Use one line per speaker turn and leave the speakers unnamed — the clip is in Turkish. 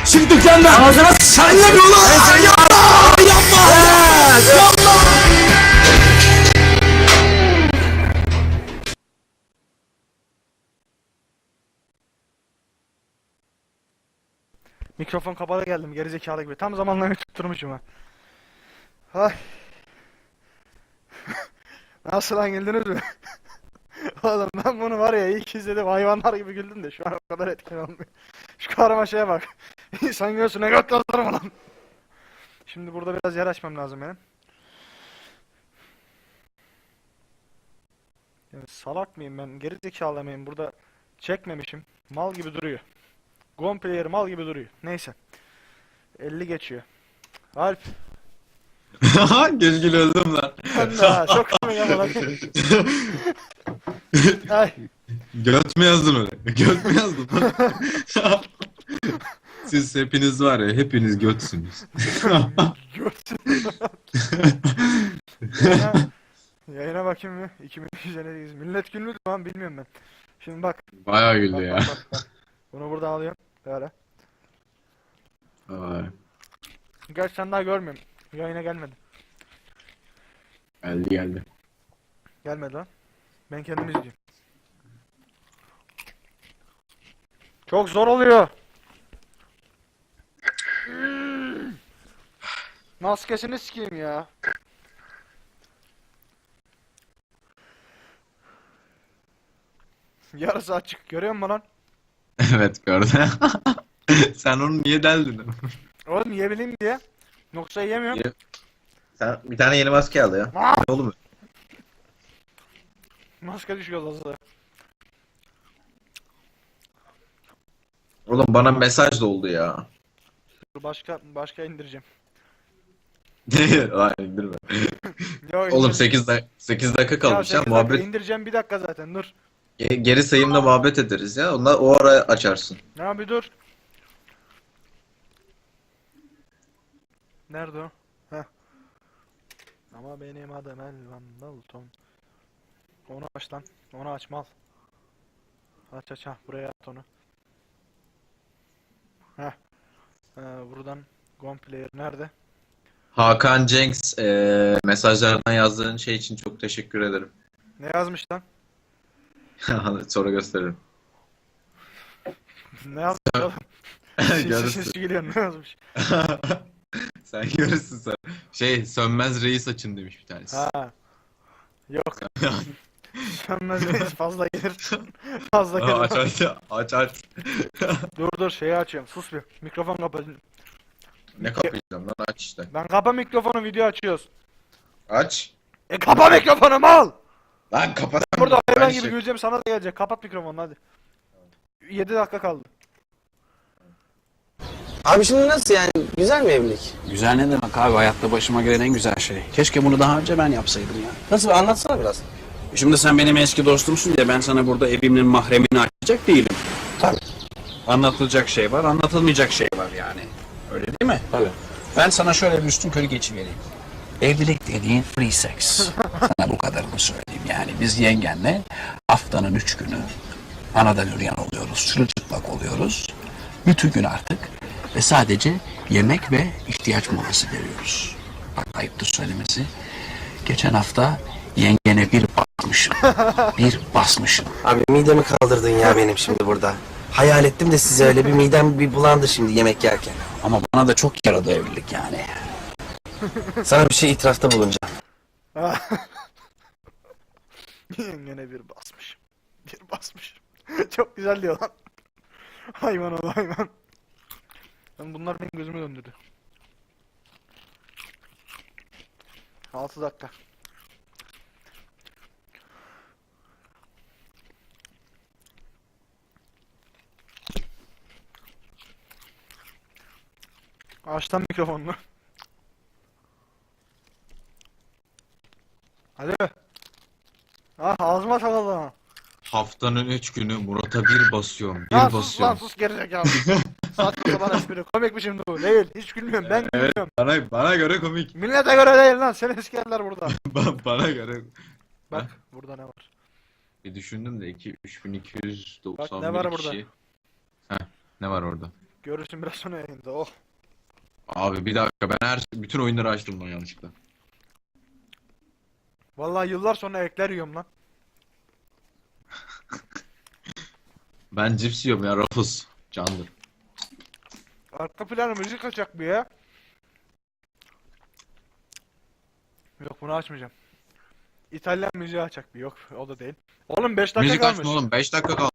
Şimdi dükkanda. Ağzına sen ne diyorsun lan? Yapma! Yapma!
Mikrofon kapalı geldim gerizekalı gibi. Tam zamanlarını tutturmuşum ha. Hay. Nasıl lan, güldünüz mü? Oğlum ben bunu var ya ilk izledim hayvanlar gibi güldüm de şu an o kadar etkili olmuyor. Şu karmaşaya bak. İnsan göğsüne göt yazarım lan. Şimdi burada biraz yer açmam lazım benim. Yani salak mıyım ben? Gerizekalı mıyım? Burada çekmemişim. Mal gibi duruyor. Gon player mal gibi duruyor. Neyse. 50 geçiyor. Alp.
Keşke öldüm lan.
Ben de ha. Çok komik ama lan. Ay.
Göt mü yazdın öyle? Göt mü yazdın? Siz hepiniz var ya, hepiniz götsünüz.
Görsün. Yayına bakayım mı? 2258. Millet günlüğü lan bilmiyorum ben. Şimdi bak.
Bayağı
Bak,
güldü ya.
bak. Bunu burada alıyorum. Böyle.
Vay.
Gerçi sen daha görmüyorum. Yayına gelmedi.
Geldi geldi.
Gelmedi lan. Ben kendim izliyorum. Çok zor oluyor. Maskesini sikeyim ya. Yarısı açık. Görüyor musun lan?
Evet gördüm. Sen onu niye deldin?
Oğlum yiyebileyim diye. Yoksa yiyemiyorum.
Sen bir tane yeni maske al ya.
Aa!
Ne oğlum?
Maske düşüyor lazı.
Oğlum bana mesaj da oldu ya.
Dur başka indireceğim.
Hayır indirme.
Yo,
Oğlum 8 dakika kalmış ya,
8 dakika
muhabbet.
indireceğim, bir dakika zaten dur.
Geri sayımda muhabbet ederiz ya. Onlar o ara açarsın.
Ya bir dur. Nerede o? Heh. Ama benim adım Elvan Dalton. Onu aç lan. Onu aç mal. Aç ha, buraya at onu. Heh. Buradan Gon Player nerede?
Hakan Cenks mesajlardan yazdığın şey için çok teşekkür ederim.
Ne yazmış lan?
Sonra gösteririm.
Ne yazmış oğlum? Sinsi
Görürsün.
sinsi geliyor, ne yazmış?
Sen görürsün sen. Sönmez reis açın demiş bir tanesi.
Ha. Yok. Sönmez reis fazla gelir. Fazla
Aa,
gelir.
aç.
Dur şeyi açıyorum. Sus bir. Mikrofon kapalı.
Ne kapayacağım lan, aç işte.
Lan kapa mikrofonu, video açıyoruz.
Aç.
Kapa mikrofonu mal.
Lan kapat.
Burada hayvan
Ben
gibi güleceğim, sana da gelecek. Kapat mikrofonu hadi. 7 dakika kaldı.
Abi şimdi nasıl yani? Güzel mi evlilik?
Güzel ne demek abi, hayatta başıma gelen en güzel şey. Keşke bunu daha önce ben yapsaydım ya.
Nasıl? Anlatsana biraz.
Şimdi sen benim eski dostumsun diye ben sana burada evimin mahremini açacak değilim.
Tabii.
Anlatılacak şey var, anlatılmayacak şey var yani. Öyle değil mi?
Tabii.
Ben sana şöyle bir üstünkörü geçivereyim. Evlilik dediğin free sex. Sana bu kadarını söyleyeyim. Yani biz yengenle haftanın 3 günü anadan üreyen oluyoruz, çırılçıplak oluyoruz. Bütün gün artık ve sadece yemek ve ihtiyaç molası veriyoruz. Bak ayıptır söylemesi. Geçen hafta yengene bir basmışım. Bir basmışım.
Abi midemi kaldırdın ya benim şimdi burada. Hayal ettim de size öyle bir midem bir bulandı şimdi yemek yerken.
Ama bana da çok yaradı evlilik yani.
Sana bir şey itirafta bulunacağım.
Yine bir basmış. Bir basmış. Çok güzel diyor lan. Hayvan ol hayvan. Bunlar benim gözümü döndürdü. 6 dakika. Aç lan mikrofonunu. Hadi. Ah ağzıma takıldı ha.
Haftanın 3 günü Murat'a bir basıyorum. Bir
Lan sus lan
basıyorum.
sus gerizekalı. Saçma sapan espri. Komik mi şimdi bu? Değil. Hiç gülmüyorum. Ben
Evet,
gülmüyorum.
bana göre komik.
Millete göre değil lan. Seni sikerler burada.
Bana göre.
Bak burada ne var?
Bir düşündüm de 3291
Bak, ne var burada?
kişi. Heh, ne var orada?
Görürsün biraz sonra yayında. Oh.
Abi bir dakika ben bütün oyunları açtım lan yanlışlıkla.
Vallahi yıllar sonra ekler yiyorum lan.
Ben cips yiyorum ya Ruffles. Candır.
Arka plana müzik açacak bir ya. Yok bunu açmayacağım. İtalyan müziği açacak bir yok o da değil. Oğlum 5 dakika
Müzik
kalmış.
açma oğlum 5 dakika kaldı.